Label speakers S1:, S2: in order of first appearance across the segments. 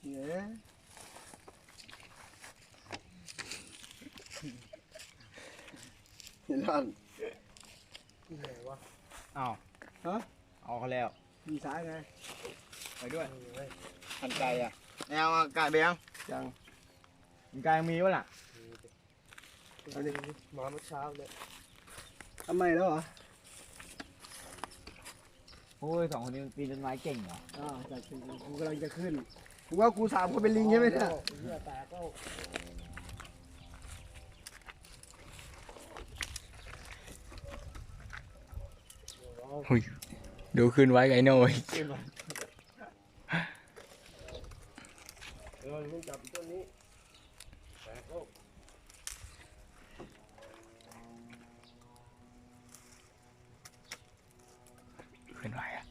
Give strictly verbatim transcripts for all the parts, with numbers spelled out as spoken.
S1: เนี่ยเห็นร่างที่ไหนวะอ้าวฮะเอาเขาแล้วมีซ้ายไงไปด้วยทันไกลอ่ะแนวไก่เบี้ยงยังไก่มีวะล่ะอันนี้มาเมื่อเช้าเลยทำไมแล้วเหรอ
S2: โอ้ยสองคนนี้ปีนต้นไม้เก่งเหรอ
S1: อ่าจะขึ้นกูกำลังจะขึ้นกูว่ากูสามคนเป็นลิงใช่ไหมเนี่ยเหี้ยแตกก็
S3: หุยดูขึ้นไว้ไงหน่อย
S1: เออมึงจับต้นนี้แตกก็
S3: ขึ้นไว้อะ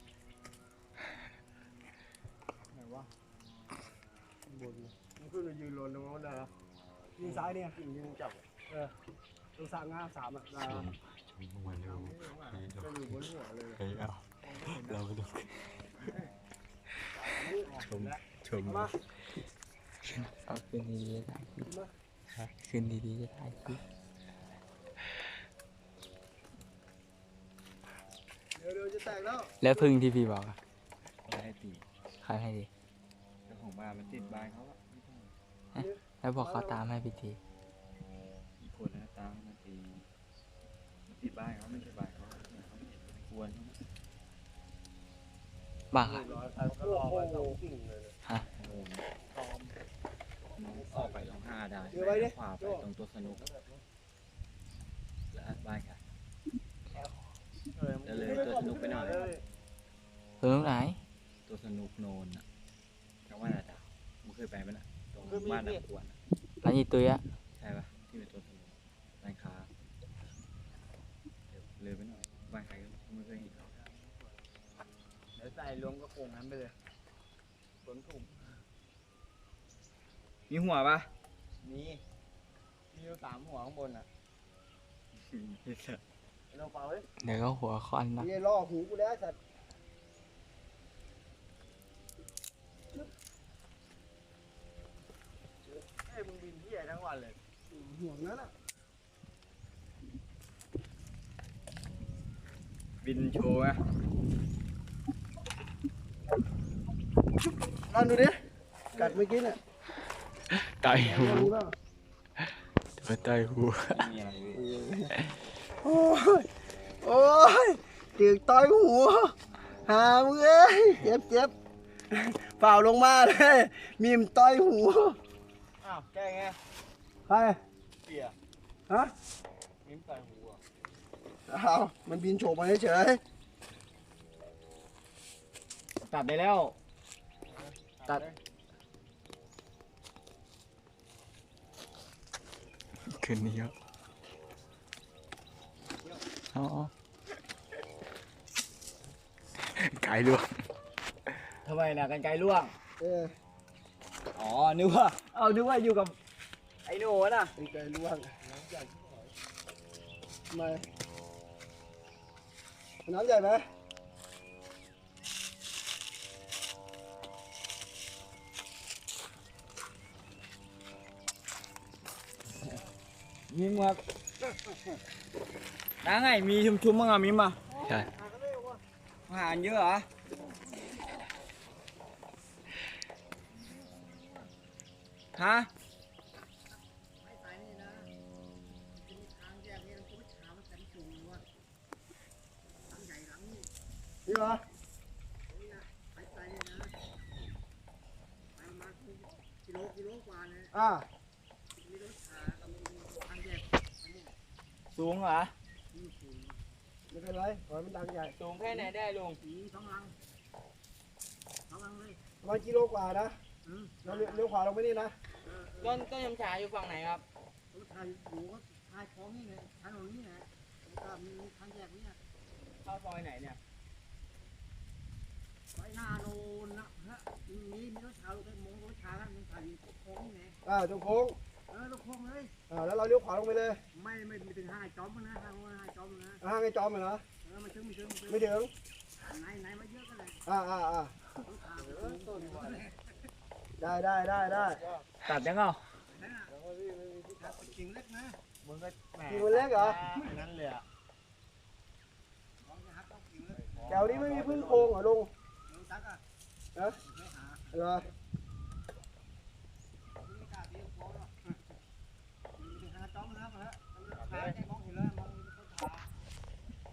S1: ไหนวะบนมันขึ้นมายืนรนตรงนั้นได้เหรอยิงซ้ายเนี่ยยิงยิงจับเออตัวสามงาสามอ่ะได้ก็อยู่บนหัวเลย
S3: เฮ้ยเอาเราไปดูชมชมเอาขึ้นดีๆจะถ่ายคลิปขึ้นดีๆจะถ่ายคลิป
S1: เดี๋ยวเดี๋ยวจะแตกแล้ว
S3: แล้วพึ่งที่พี่บอกอะ
S2: ให้ตี
S3: ใครให้ดี
S2: เจ้าของบ้านมันติดบ้านเขาอะ
S3: แล้วบอกเขาตามให้พี่ที
S2: อีกคนนะตามมันตีมันติดบ้านเขาไม่ใช่บ้านเขาเขาไม่ควร
S3: บ้าค่ะฮะ
S2: ออกไปตรงห้าได้ขวาไปตรงตัวสนุกแล้วบ้านค่ะจะเลยตัวสนุกไปหน่อย
S3: เออไหน
S2: ตัวสนุกโนนอ่ะจังหวัดอะไรมึงเคยไปไหมน่ะตรงบ้านนักวน
S3: ร้านยีตุยอะ
S2: ใช่ปะที่เป็นตัวสนุกร้านค้าเลยไปหน่อยบ้านใครก็ไม่เคยเห็นเดี๋ยวใส่รวมก็คงนั้นไปเลยสวนถุงมีหัวปะมีมีอยู่สามหัวข้างบนอ่ะเราเป่าเลย
S3: เดี๋ยวก็หัวคอนนะ
S1: นี่ล่อหูกูแล้วสัตว์
S2: เฮ้ยมึงบินที่ไหนทั้งวันเลย
S1: ห่วงนั้นอ่ะ
S2: บินโชว์อะ
S1: ลองดูดิกัดเมื่อกี้เนี่ย
S3: ไตหูตัวไตหู
S1: โอ้ยโอ้ยตึกต่อยหูหามึงเอ้ยเจ็บเจ็บเปล่าลงมาเลยมีมต่อยหู
S2: อ้าวแกไง
S1: ใคร
S2: เปีย
S1: ฮะ
S2: มีมต่อยหูอ่ะ
S1: อ้าวมันบินโฉบมาเฉย
S2: ตัดได้แล้วตัด
S3: ขึ้นนี่เยอะอ๋อไก่ล่วง
S2: ทำไมนะกันไกลล่วง
S1: เออ
S2: อ๋อนึกว่าเอานึกว่าอยู่กับไอ้โน่น่ะ
S1: กันไกลล่วงน้ำใหญ่ทำไมน้ำใหญ่ไหม
S2: มิมครับน้าไงมีชุมๆมั้งอ่ะมิมอ่ะ
S3: ใช่
S2: อาหารเยอะเหรอฮะ
S1: นี่เหรออ่า
S2: สูงเหรอ
S1: ไม่เป็นไรขอมันดังใหญ่
S2: สูงแค่ไหนได้ลุง
S1: สองลังสองลังเลยประมาณกิโลกว่านะเราเลี้ยวขวาลงไปนี่นะ
S2: ต้นต้นยำฉาอยู่ฝั่งไหนครับ
S1: ต้นชายอยู่ก็ชายของนี่ไงถนนนี่ไงก็มีทางแยกนี่
S2: เข้าซอยไหนเนี่ย
S1: ไปหน้าโน่นนะฮะมีมีรถชาลูกไอ้มงรถชาแล้วมันถ่ายอยู่โค้งนี่ไงอ่าตรงโค้งเออตรงโค้งเลยอ่าแล้วเราเลี้ยวขวาลงไปเลยไม่ไม่ไม่ถึงห้างไอ้จอมนะห้างไอ้จอมนะห้างไอ้จอมเหรอเออไม่ถึงไม่ถึงไม่ถึงไหนไหนมาเยอะกันเลยอ่าอ่าอ่า
S4: ได้ได้ได้ได้
S2: ตัดยังเปล่า
S1: กิ่งเล็กนะ
S2: มึงก็แหม
S4: กิ่งมันเล็กเหรอ
S2: อันนั้นเลยอะ
S4: แถวนี้ไม่มีพึ่งโพรงเหรอลุง
S1: ตักอ่ะ
S4: ฮะเหรอ
S1: ไม่กล้าตีโค้งหรอกมีหาจ้องนะมาแล้วหาใจมองเห็นเลยมองต้นขา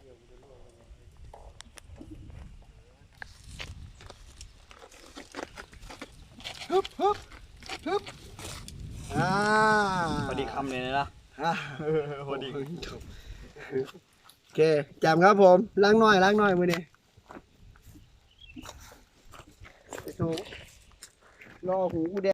S1: ฮึบฮึบฮึบอ่า
S2: พอดีคำเลยนะ
S1: อ่า
S2: พอดี
S4: โอเคแจมครับผมล้างหน่อยล้างหน่อยมือนี่ไปสูงรอหูกูแดง